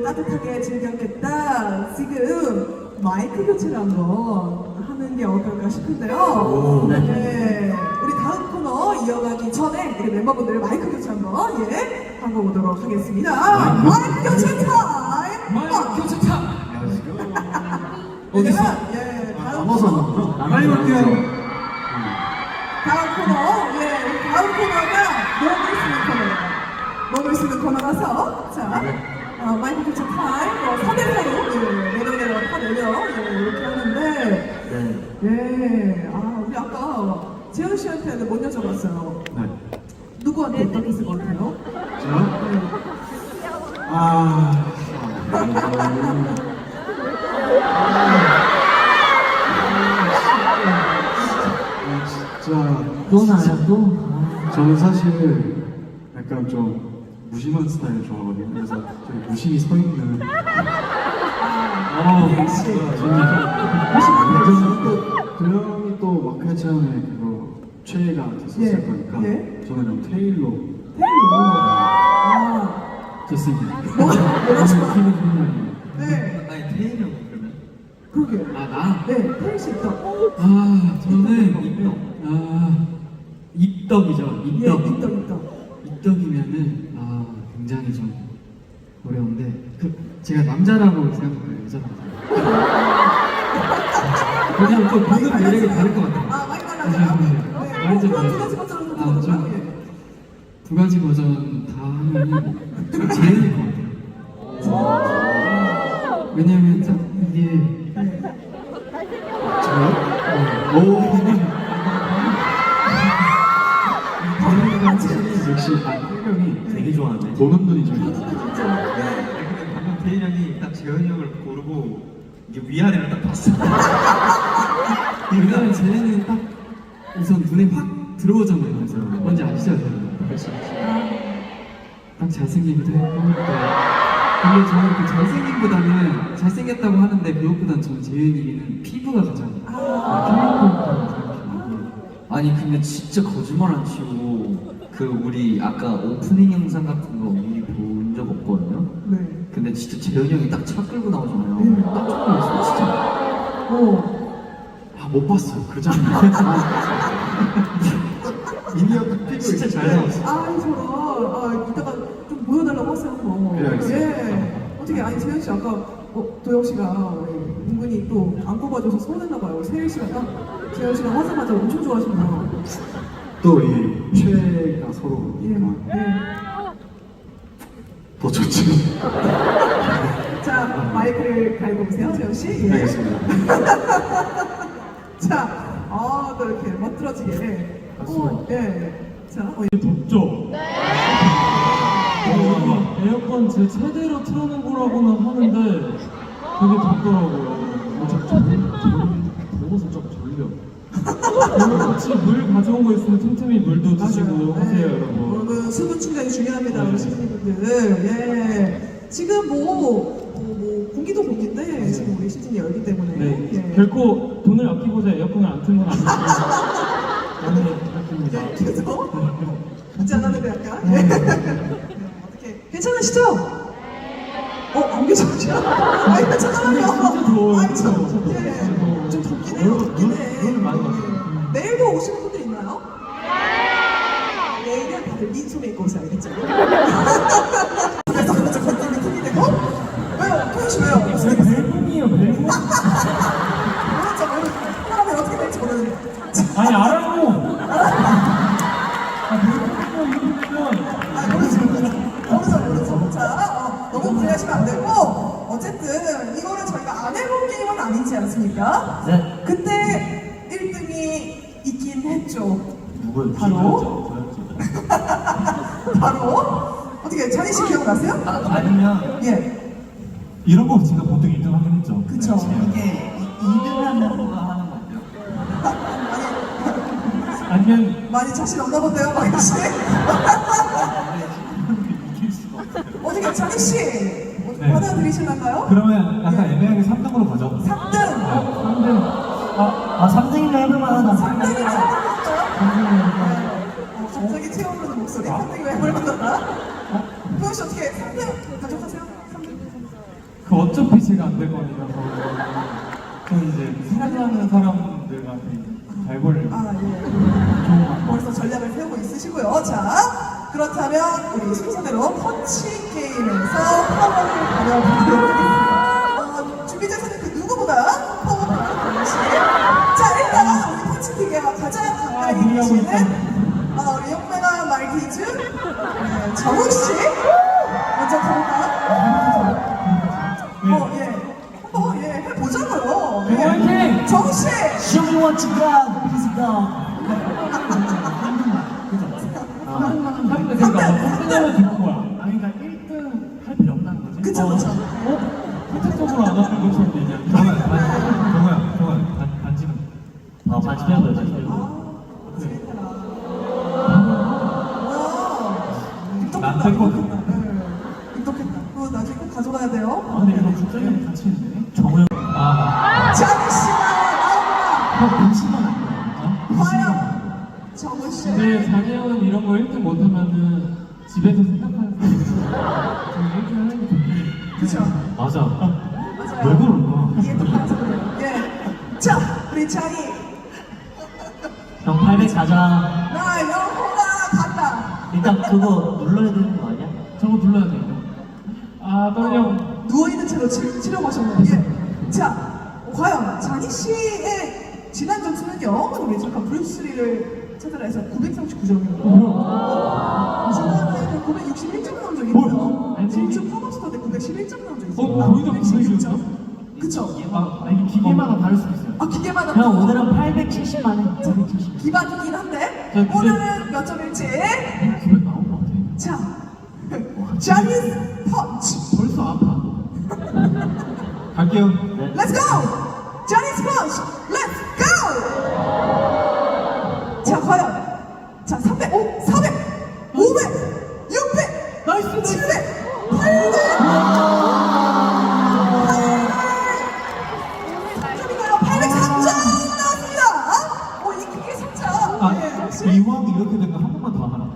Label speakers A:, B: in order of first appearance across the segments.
A: 따뜻하게 즐겼겠다. 지금 마이크 교체를 한번 하는 게 어떨까 싶은데요. 네. 우리 다음 코너 이어가기 전에 우리 멤버분들 마이크 교체 한번 하고 오도록 하겠습니다. 마이크 교체 타임!
B: 마이크 교체 타임!
A: 어디서?
C: 다음 코너.
B: 빨리 갈게요.
A: 다음 코너가 몸을 쓰는 코너라서 자 마이크 교체 타임 3대4로 내려 다 이렇게 하는데 우리 아까 재현 씨한테는 못 여쭤봤어요.
C: 네.
A: 누구한테 어떻게 있을 것 같아요?
C: 진짜
B: 또 나야 또?
C: 저는 사실 약간 좀 무심한 스타일 좋아하거든요. 그래서 저기 무심히 서 있는
A: 역시
C: 도영이 또 마크의 체험에 그거 최애가 됐었을 거니까 저는 좀 테일로 됐습니다.
A: 네.
B: 아니 태일이 형 그러면?
A: 그러게.
B: 나?
A: 네, 태일 씨 있다.
B: 저는 입덕이죠.
A: 입덕.
B: 입덕이면은 굉장히 좀 어려운데 제가 남자라고 생각해요. 여자라고. 왜냐면 또 보는 매력이 다를 것 같아요.
A: 많이 달라져요? 네.
B: 완전
A: 그럼 두
B: 다르죠.
A: 가지 버전으로 들어볼까요?
B: 두 가지 버전 다 하면은 좀 재현일 것 같아요. 왜냐면 딱 이게
C: 역시 태경이
B: 되게 좋아하네.
C: 보는 눈이 좀 있어요.
B: 방금 태일 형이 딱 재현이 형을 고르고 이게 위아래를 딱 봤어. 왜냐면 재현이는 딱 우선 눈에 확 들어오잖아요. 그래서 뭔지 아시죠? 딱 잘생기기도 했고. 근데 저는 그 잘생김보다는 잘생겼다고 하는데 그것보다는 저는 재현이는 피부가 가장
D: 아니 근데 진짜 거짓말 안 치고 우리 아까 오프닝 영상 같은 거 미리 본 적 없거든요?
A: 네.
D: 근데 진짜 재현이 형이 딱 차 끌고 나오잖아요. 딱 처음 봤어요 진짜.
C: 못 봤어요. 그 장면. 미니어 피부
D: 진짜 잘 나왔어.
A: 저런. 이따가 좀 보여달라고 하세요.
C: 네, 알겠습니다.
A: 어떻게, 재현 씨 아까 도영 씨가 은근히 또 안 뽑아줘서 서운했나 봐요. 세일 씨가 딱 재현 씨가 하자마자 엄청 좋아하시네요.
C: 또 이 최애가 서로니까 더 좋죠.
A: 자, 마이크를 갈고 오세요, 재현 씨.
C: 알겠습니다.
A: 자, 또 이렇게 멋들어지게. 자,
E: 덥죠? 에어컨 제 최대로 틀어놓으라고는 하는데 되게 덥더라고요. 더워서 좀 졸려. 같이 물 가져온 거 있으면 틈틈이 물도 드시고 하세요, 여러분.
A: 여러분, 수분 충전이 중요합니다, 우리 시즌분들. 지금 공기도 공기인데 지금 우리 시즌이 열기 때문에.
E: 결코 돈을 아끼고자 에어컨을 안 튼 건 아니고 많이 아낍니다.
A: 그래서 같지 않았는데 약간. 어떻게 괜찮으시죠? 안 계셔죠? 괜찮아요.
E: 진짜 더워요.
A: 좀 덥긴 해요.
E: 눈 많이 왔어요.
A: 내일도 오시는 분들 있나요? 내일은 다들 민소매 입고 오세요, 알겠죠? 그래서 건강이 힘이 되고 왜요? 토요시 왜요?
E: 벨붕이에요, 벨붕.
A: 모르죠. 사람이 어떻게 될지 모르는.
E: 아니, 알아요.
A: 모르죠. 자, 너무 무리하시면 안 되고 어쨌든 이거는 저희가 안 해본 게임은 아니지 않습니까?
D: 네.
A: 그때 1등이 있긴 했죠.
E: 누구요?
A: 바로 어떻게 찬희 씨 기억나세요?
D: 아니면
A: 예,
E: 이런 거 제가 보통 1등 하긴 했죠.
A: 그쵸.
D: 이게 2등 하는 거가 하는 건데요.
E: 아니면
A: 많이 자신 없나 본데요, 마이 씨.
E: 이길 수가 없어요.
A: 어떻게 찬희 씨
E: 네.
A: 받아들이실까요?
E: 그러면 약간 애매하게 3등으로 가죠.
A: 3등.
E: 3등이면 해볼만하다.
A: 3등이죠. 갑자기 채워오르는 목소리. 3등이 왜 해볼만하다? 도현 씨 어떻게 3등 가져가세요? 3등.
E: 그 어차피 제가 안 될 거니까 저는 이제 사랑하는 사람들한테 잘 벌려고
A: 아, 예.
E: 좋은 거.
A: 벌써 전략을 세우고 있으시고요. 자, 그렇다면 우리 순서대로 펀치 게임에서 파워를 가려보도록 하겠습니다. 준비되시는 그 누구보다 파워풀한 동시. 자, 일단 우리 펀치 기계가 가장 가까이
E: 무리하고
A: 계시는
E: 있다.
A: 우리 용매가 말티즈 정욱 씨 먼저 가볼까요? 예. 한번 해보자고요. 예.
E: 화이팅!
A: 정욱 씨.
F: Show me what you got, please go.
E: 하는데 그러니까 선생님은 듣는 거야.
F: 아니 그러니까 1등 할 필요 없다는 거지.
A: 그쵸, 그쵸.
E: 선택적으로 안 하는 것처럼 얘기하는
C: 정우야 반지는
F: 반지 빼고 반지 빼고.
E: 난 됐거든.
A: 입덕했다. 그거 나중에 꼭 가져가야 돼요.
F: 아 근데 이거 국장님 같이 있네. 정우 형.
A: 자기 씨가 나옵니다.
F: 형 반지만 안
A: 과연 정우 씨.
E: 근데 자기 형은 이런 거 1등 못하면은 집에서 생각하는 사람이 저희 1등 하는 게 좋긴 해.
A: 그쵸?
F: 맞아.
A: 맞아요.
F: 왜 그럴까?
A: 이게 또 그래서 그래요. 예. 자, 우리 장이
F: 형 800 가자.
A: 나 영호가 간다.
F: 일단 그거 눌러야 되는 거 아니야?
E: 저거 눌러야 돼. 아 떨려.
A: 누워있는 채로 치료하셨나요? 예. 자, 과연 장희 씨의 지난 점수는요? 우리 잠깐 브루스리를 찾으라 해서 939점이거든요. 지난해에는 961점 나온 적이 있고요.
E: 아니,
A: 진주 팝업스터 때 911점 나온 적이 있어요.
E: 거의 다
A: 916점. 그쵸?
E: 이게 기계마다 다를 수 있어요.
A: 아, 기계마다
F: 형
A: 또
F: 오늘은 870만 해. 870.
A: 기반이긴 한데
E: 자, 근데-
A: 오늘은 몇 점일지
E: 기분 나온 것 같아.
A: 자 자니스 펀치
E: 벌써 아파.
C: 갈게요.
A: Let's go! 자니스 펀치 Let's go! 자 과연 자 300, 400, 500, 600,
E: 나이스,
A: 700, 800 803점 나왔습니다. 이게 3점. 예, 역시.
C: 이왕 이렇게 된 거 한 번만 더 하나.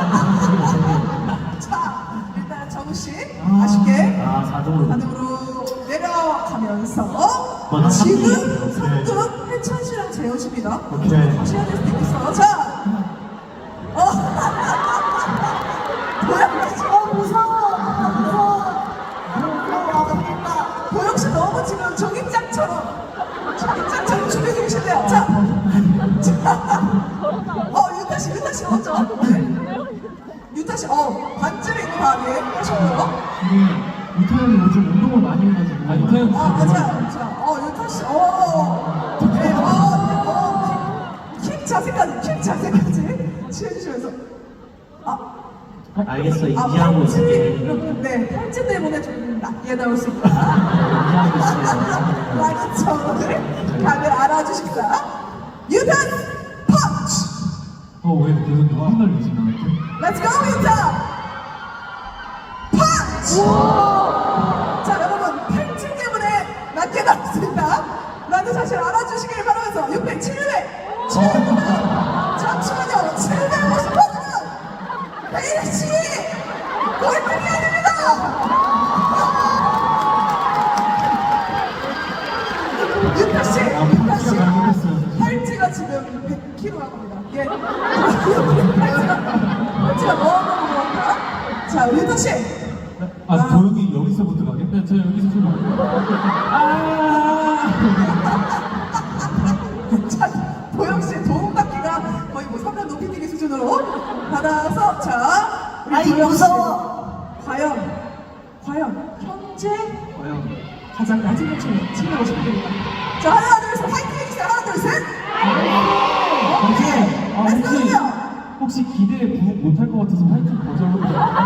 A: 자, 일단 정우 씨 아쉽게
F: 아 4등으로.
A: 4등으로 내려가면서
F: 나
A: 지금
F: 삼등.
A: 3등 해찬 씨랑 재현 씨입니다.
C: 오케이.
A: 다시 해야 될 수도 있어요. 자, 도영 씨, 무서워. 도영 씨 너무 지금 종입장처럼 준비 중이신데요. 자, 유타 씨 먼저. 유타 씨, 반쯤 있고 다음에 하셨고요.
E: 유타 형이 요즘 운동을 많이 해가지고. 아 유타 형.
A: 맞아요. 자, 유타 씨, 네, 킥 자세까지 취해주시면서.
F: 알겠어 인지하고 있을게.
A: 네, 팔찌 때문에 좀 낮게 나올 수 있다.
F: 인지하고 있어요.
A: 라는 점을 다들 알아주십사. 유타 펀치!
E: 왜 계속 눈빛 날리지 나한테?
A: Let's go, 유타! 펀치! 자, 여러분, 팔찌 때문에 낮게 나올 수 있다. 라는 사실 알아주시길 바라면서 600, 700, 700. 잠시만요, 750번은 베이씨! 월등히 아닙니다! 유타 씨, 팔찌가 지금 100kg라고 합니다. 예. 팔찌가 너무 무거웠다. 자, 우리 유타 씨.
C: 도영이 여기서부터 가게?
E: 네, 저 여기서 좀.
A: 자, 도영 씨의 도움닫기가 거의 뭐 3단 높이뛰기 수준으로 받아서 자, 우리
F: 아이,
A: 도영 씨.
F: 무서워.
A: 과연 현재 가장 낮은 점수를 챙겨보시면 됩니다. 자, 하나, 둘, 셋, 파이팅 해주세요. 하나, 둘, 셋. 오케이. Let's go.
E: 혹시 기대에 부응 못할 것 같아서 화이팅 거절로.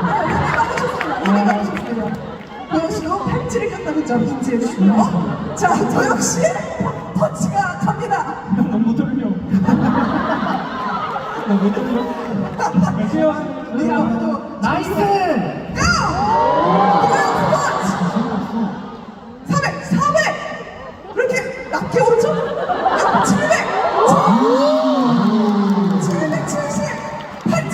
A: 도영 씨도 팔찌를 꼈다는 점 인지해 주시고요. 자, 도영 씨 펀치가 갑니다.
E: 너무 떨려. 너무 떨려. 갈게요.
A: 우리 아무도
E: 나이스!
A: 고! 도영 펀치! 400! 그렇게 낮게 오르죠? 700! 778점!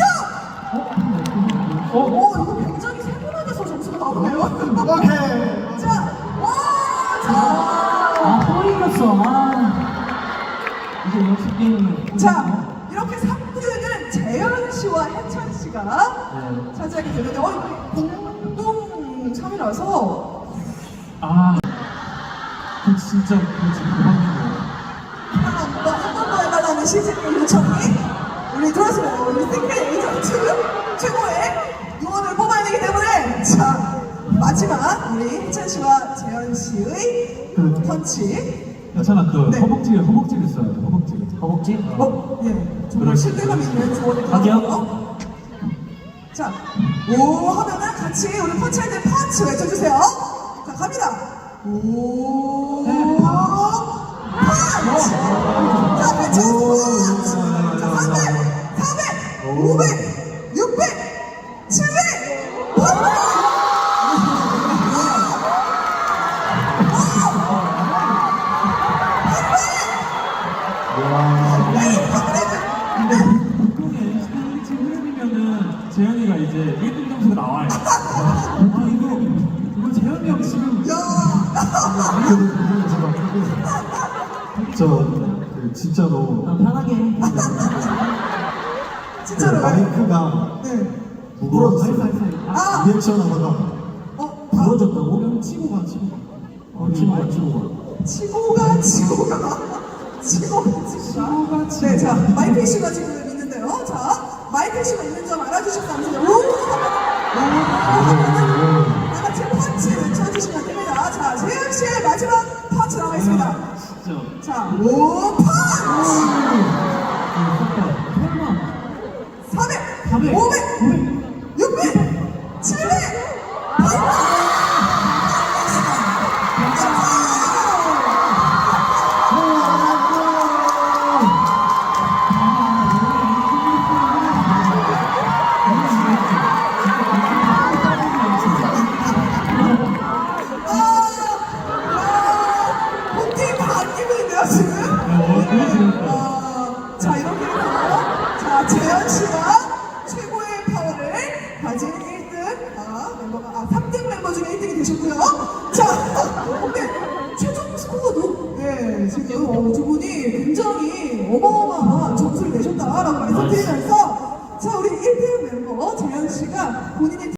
A: 이거 굉장히 세분화돼서 점수가 나오네요.
C: 오케이.
A: 자, 씨와 해찬 씨가 차지하게 되는데, 공동 3위라서
E: 그 진짜 그 지금 대박인 거예요.
A: 한번더 해달라는 시즌의 요청이 우리 들어왔어요. 우리 싱글 에이전트 최고의 요원을 뽑아야 되기 때문에, 자, 마지막 우리 해찬 씨와 재현 씨의 펀치.
E: 괜찮아, 그
A: 네.
E: 허벅지를 써야 돼, 허벅지를.
D: 허벅지?
A: 예, 정말 실대감 있는 조언을
D: 가격?
A: 드렸고요. 자, 오 하면은 같이 우리 펀치할 때 펀치 외쳐주세요. 자, 갑니다. 오, 펀치. 자, 외쳐주세요. 자, 300, 400, 500, 600, 700, 800.
E: 지금 흐름이면은 재현이가 이제 1등 점수가 나와요. 이거 재현이 형 지금
C: 그 진짜로
D: 편하게 해.
C: 그
A: 진짜로.
C: 마이크가
A: 네.
C: 부러졌어요.
A: 아,
C: 리액션 하다가
D: 부러졌다고?
E: 형 치고 가.
A: 치고가. 네, 자, 마이크 이슈가 지금 있는데요. 자, 마이크 이슈가 있는 점 알아주시고 감사해요. 다 같이 펀치 외쳐주시면 됩니다. 자, 재현 씨의 마지막 펀치 나와 있습니다.
E: 진짜.
A: 자, 오 펀치! 400, 500, 600, 700, 800! 본팀 바뀌고 있는데요, 지금? 자, 이렇게 해서, 자, 재현 씨가 최고의 파워를 가진 1등, 멤버가, 3등 멤버 중에 1등이 되셨고요. 자, 근데 최종 스코어도, 네, 지금 두 분이 굉장히 어마어마한 점수를 내셨다라고 말씀드리면서, 자, 우리 1등 멤버 재현 씨가 본인의